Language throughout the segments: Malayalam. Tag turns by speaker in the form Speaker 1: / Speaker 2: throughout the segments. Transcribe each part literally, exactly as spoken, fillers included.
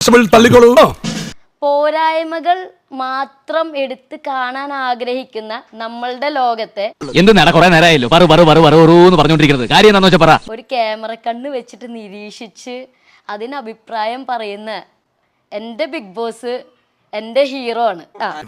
Speaker 1: തള്ളിക്കോളൂ.
Speaker 2: പോരായ്മകൾ മാത്രം എടുത്ത് കാണാൻ ആഗ്രഹിക്കുന്ന നമ്മളുടെ ലോകത്തെ
Speaker 3: എന്ത് നേടാ കുറെ നേരമായല്ലോ പറു പറു പറു പറൂന്ന് പറഞ്ഞോണ്ടിരിക്കുന്നത് കാര്യം എന്താണെന്ന് വെച്ചാൽ പറ.
Speaker 2: ഒരു ക്യാമറ കണ്ണ് വെച്ചിട്ട് നിരീക്ഷിച്ച് അതിന് അഭിപ്രായം പറയുന്ന എൻ്റെ ബിഗ് ബോസ് എൻ്റെ ഹീറോ ആണ്.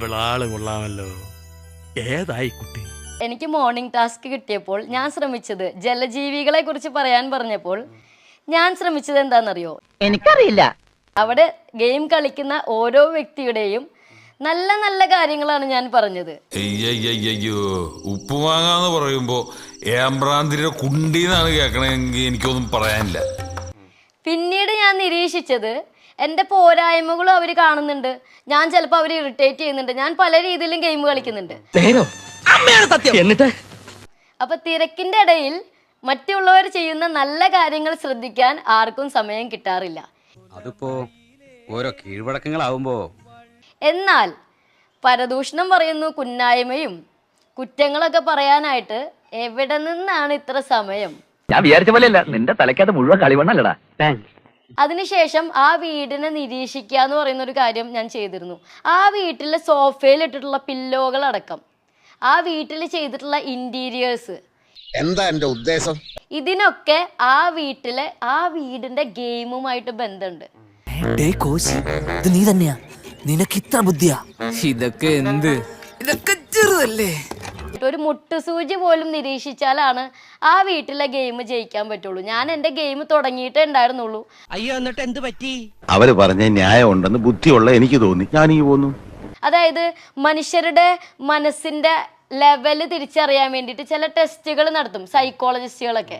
Speaker 1: ഏതായി കുട്ടി?
Speaker 2: എനിക്ക് മോർണിംഗ് ടാസ്ക് കിട്ടിയപ്പോൾ ഞാൻ ശ്രമിച്ചത് ജലജീവികളെ കുറിച്ച് പറയാൻ പറഞ്ഞപ്പോൾ ഞാൻ ശ്രമിച്ചത് എന്താണെന്നറിയോ?
Speaker 4: എനിക്കറിയില്ല.
Speaker 2: അവിടെ ഗെയിം കളിക്കുന്ന ഓരോ വ്യക്തിയുടെയും നല്ല നല്ല കാര്യങ്ങളാണ് ഞാൻ പറഞ്ഞത്.
Speaker 5: അയ്യോ ഉപ്പുമാങ്ങാന്ന് പറയുമ്പോ ഏമ്പ്രാന്തിന്റെ കുണ്ടീന്നാണ് കേൾക്കണമെങ്കിൽ എനിക്കൊന്നും പറയാനില്ല.
Speaker 2: പിന്നീട് ഞാൻ നിരീക്ഷിച്ചത് എൻ്റെ പോരായ്മകളും അവർ കാണുന്നുണ്ട്. ഞാൻ ചിലപ്പോൾ അവർ ഇറിറ്റേറ്റ് ചെയ്യുന്നുണ്ട്. ഞാൻ പല രീതിയിലും ഗെയിം കളിക്കുന്നുണ്ട്.
Speaker 4: എന്നിട്ട്
Speaker 2: അപ്പൊ തിരക്കിന്റെ ഇടയിൽ മറ്റുള്ളവർ ചെയ്യുന്ന നല്ല കാര്യങ്ങൾ ശ്രദ്ധിക്കാൻ ആർക്കും സമയം കിട്ടാറില്ല.
Speaker 6: അതിപ്പോ ഓരോ കീഴ്വഴക്കങ്ങളാവുമ്പോ.
Speaker 2: എന്നാൽ പരദൂഷണം പറയുന്നു, കുന്നായ്മയും കുറ്റങ്ങളൊക്കെ പറയാനായിട്ട് എവിടെ നിന്നാണ് ഇത്ര സമയം?
Speaker 4: ഞാൻ വിചാരിച്ച പോലെയല്ല, നിന്റെ തലക്കകത്ത് മുഴുവൻ കളിവണ്ണല്ലടാ.
Speaker 2: അതിനുശേഷം ആ വീടിനെ നിരീക്ഷിക്കുക എന്ന് പറയുന്ന ഒരു കാര്യം ഞാൻ ചെയ്തിരുന്നു. ആ വീട്ടിലെ സോഫയിൽ ഇട്ടിട്ടുള്ള പില്ലോകളടക്കം, ആ വീട്ടിൽ ചെയ്തിട്ടുള്ള ഇന്റീരിയേഴ്സ്,
Speaker 7: എന്താ എന്റെ ഉദ്ദേശം?
Speaker 2: ഇതിനൊക്കെ ആ വീട്ടിലെ ആ വീടിന്റെ ഗെയിമുമായിട്ട് ബന്ധമുണ്ട്.
Speaker 8: നീ തന്നെയാ, നിനക്ക് ഇത്ര ബുദ്ധിയാ? ഇതൊക്കെ എന്ത്, ഇതൊക്കെ ചെറുതല്ലേ?
Speaker 2: ഒരു മുട്ടുസൂചി പോലും നിരീക്ഷിച്ചാലാണ് ആ വീട്ടിലെ ഗെയിം ജയിക്കാൻ പറ്റുള്ളൂ. ഞാൻ എന്റെ ഗെയിം തുടങ്ങിയിട്ടേ ഉണ്ടായിരുന്നുള്ളൂ.
Speaker 8: അയ്യോ, എന്നിട്ട് എന്ത് പറ്റി?
Speaker 7: അവര് പറഞ്ഞ ന്യായം ഉണ്ടെന്ന് ബുദ്ധിയുള്ള എനിക്ക് തോന്നി, ഞാൻ ഈ പോന്നു.
Speaker 2: അതായത് മനുഷ്യരുടെ മനസ്സിന്റെ ലെവല് തിരിച്ചറിയാൻ വേണ്ടിയിട്ട് ചില ടെസ്റ്റുകൾ നടത്തും സൈക്കോളജിസ്റ്റുകളൊക്കെ.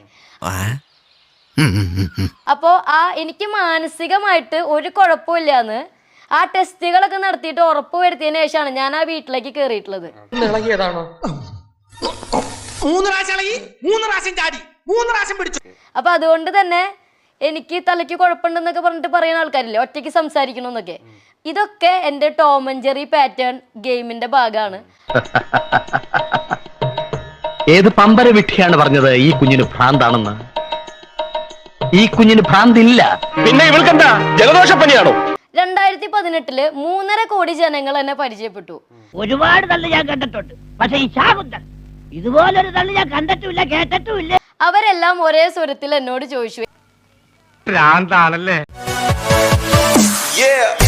Speaker 2: അപ്പോ ആ എനിക്ക് മാനസികമായിട്ട് ഒരു കുഴപ്പമില്ലാന്ന് ആ ടെസ്റ്റുകളൊക്കെ നടത്തിയിട്ട് ഉറപ്പ് വരുത്തിയതിനു ശേഷമാണ് ഞാൻ ആ വീട്ടിലേക്ക് കയറിയിട്ടുള്ളത്. അപ്പൊ അതുകൊണ്ട് തന്നെ എനിക്ക് തലയ്ക്ക് കുഴപ്പമുണ്ടെന്നൊക്കെ പറഞ്ഞിട്ട് പറയുന്ന ആൾക്കാരില്ലേ, ഒറ്റയ്ക്ക് സംസാരിക്കണമെന്നൊക്കെ, ഇതൊക്കെ എൻ്റെ ടോം ആൻഡ് ജെറി പാറ്റേൺ ഗെയിമിന്റെ ഭാഗമാണ്.
Speaker 4: ഏത് പമ്പര വിട്ടിയാണ് പറഞ്ഞത് ഈ കുഞ്ഞിന് ഭ്രാന്താണെന്ന്? ഈ കുഞ്ഞിന് ഭ്രാന്തില്ല. പിന്നെ ഇവൾക്കെന്താ ജലദോഷപ്പനിയാണോ?
Speaker 2: രണ്ടായിരത്തി പതിനെട്ടില് മൂന്നര കോടി ജനങ്ങൾ എന്നെ പരിചയപ്പെട്ടു.
Speaker 9: ഒരുപാട് തള്ളി ഞാൻ കണ്ടിട്ടുണ്ട്, പക്ഷെ ഈ ശാകുന്തൻ ഇതുപോലൊരു തള്ളി ഞാൻ കണ്ടിട്ടുമില്ല, കേട്ടിട്ടുമില്ല.
Speaker 2: അവരെല്ലാം ഒരേ സ്വരത്തിൽ എന്നോട് ചോദിച്ചു,
Speaker 4: ഭ്രാന്താണല്ലേ?
Speaker 5: Yeah.